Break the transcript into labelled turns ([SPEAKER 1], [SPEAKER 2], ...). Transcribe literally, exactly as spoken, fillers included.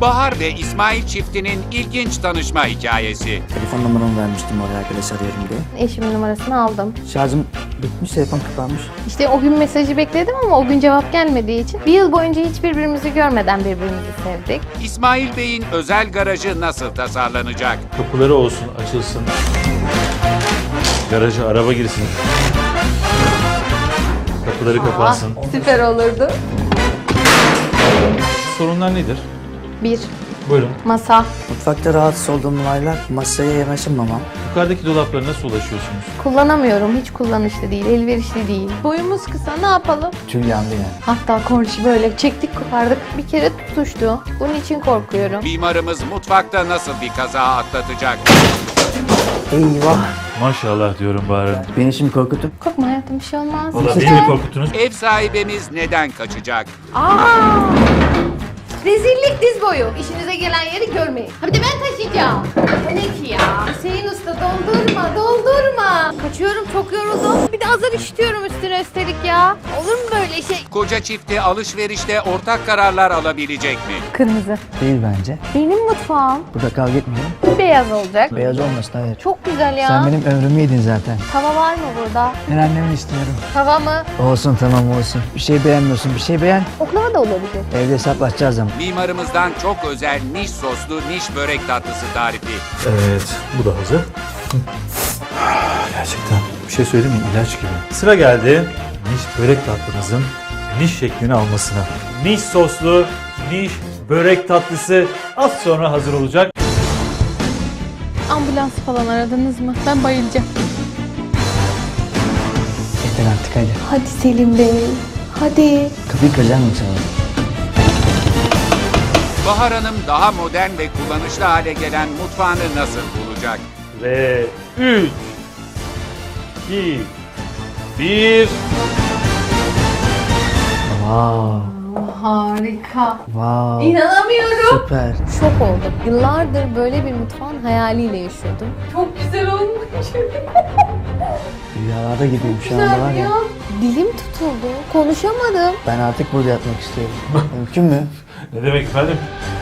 [SPEAKER 1] Bahar ve İsmail çiftinin ilginç tanışma hikayesi.
[SPEAKER 2] Telefon numaramı vermiştim oraya arkadaş arıyorum diye.
[SPEAKER 3] Eşimin numarasını aldım.
[SPEAKER 2] Şarjım bitmiş, telefon kapanmış.
[SPEAKER 3] İşte o gün mesajı bekledim ama o gün cevap gelmediği için bir yıl boyunca hiç birbirimizi görmeden birbirimizi sevdik.
[SPEAKER 1] İsmail Bey'in özel garajı nasıl tasarlanacak?
[SPEAKER 4] Kapıları olsun, açılsın. Garaja araba girsin. Kapıları kapansın.
[SPEAKER 3] Süper olurdu.
[SPEAKER 4] Sorunlar nedir?
[SPEAKER 3] Bir,
[SPEAKER 4] Buyurun.
[SPEAKER 3] masa.
[SPEAKER 2] Mutfakta rahatsız olduğum olaylar masaya yanaşamamam.
[SPEAKER 4] Yukarıdaki dolaplara nasıl ulaşıyorsunuz?
[SPEAKER 3] Kullanamıyorum, hiç kullanışlı değil, elverişli değil. Boyumuz kısa, ne yapalım?
[SPEAKER 2] Tüm yandı yani.
[SPEAKER 3] Hatta kornişi böyle çektik kopardık, bir kere tutuştu. Bunun için korkuyorum.
[SPEAKER 1] Mimarımız mutfakta nasıl bir kaza atlatacak?
[SPEAKER 2] Eyvah!
[SPEAKER 4] Maşallah diyorum Bahar Hanım.
[SPEAKER 2] Beni şimdi korkutup
[SPEAKER 3] Korkma hayatım, bir şey olmaz.
[SPEAKER 4] Valla beni mi korkuttunuz?
[SPEAKER 1] Ev sahibimiz neden kaçacak?
[SPEAKER 3] Aa! Rezillik diz boyu. İşinize gelen yeri görmeyin. Ha bir de ben taşıyacağım. Ne ki ya? Hüseyin Usta doldurma, doldurma. Kaçıyorum, çok yoruldum. Bir de azar işitiyorum üstüne üstelik ya. Olur mu böyle şey?
[SPEAKER 1] Koca çifti alışverişte ortak kararlar alabilecek mi?
[SPEAKER 3] Kırmızı.
[SPEAKER 2] değil bence.
[SPEAKER 3] Benim mutfağım
[SPEAKER 2] Burada kavga etmeyelim.
[SPEAKER 3] beyaz olacak.
[SPEAKER 2] Beyaz olmasın, hayır.
[SPEAKER 3] Çok güzel ya.
[SPEAKER 2] Sen benim ömrümü yedin zaten.
[SPEAKER 3] Tava var mı burada?
[SPEAKER 2] Ben annemi istiyorum.
[SPEAKER 3] Tava mı?
[SPEAKER 2] Olsun, tamam olsun. Bir şey beğenmiyorsun, bir şey beğen.
[SPEAKER 3] Oklava da olabilir.
[SPEAKER 2] Evde hesaplaşacağız ama.
[SPEAKER 1] Mimarımızdan çok özel niş soslu niş börek tatlısı tarifi.
[SPEAKER 4] Evet, bu da hazır. Gerçekten bir şey söyleyeyim mi? İlaç gibi. Sıra geldi niş börek tatlımızın niş şeklini almasına. Niş soslu niş börek tatlısı az sonra hazır olacak.
[SPEAKER 3] Ambulans falan aradınız mı? Ben bayılacağım.
[SPEAKER 2] Yeter artık, hadi.
[SPEAKER 3] Hadi Selim Bey. Hadi.
[SPEAKER 2] Kapıyı kıracak mısın sana?
[SPEAKER 1] Bahar Hanım daha modern ve kullanışlı hale gelen mutfağını nasıl bulacak?
[SPEAKER 4] Ve üç, iki, bir.
[SPEAKER 2] Wow,
[SPEAKER 3] Harika.
[SPEAKER 2] wow.
[SPEAKER 3] İnanamıyorum.
[SPEAKER 2] Süper.
[SPEAKER 3] Şok oldum. Yıllardır böyle bir mutfağın hayaliyle yaşıyordum. Çok güzel olmuş.
[SPEAKER 2] Rüyalarda gibiyim şu anda var ya.
[SPEAKER 3] Dilim tutuldu. Konuşamadım.
[SPEAKER 2] Ben artık burada yatmak istiyorum. Mümkün mü?
[SPEAKER 4] Ne demek efendim?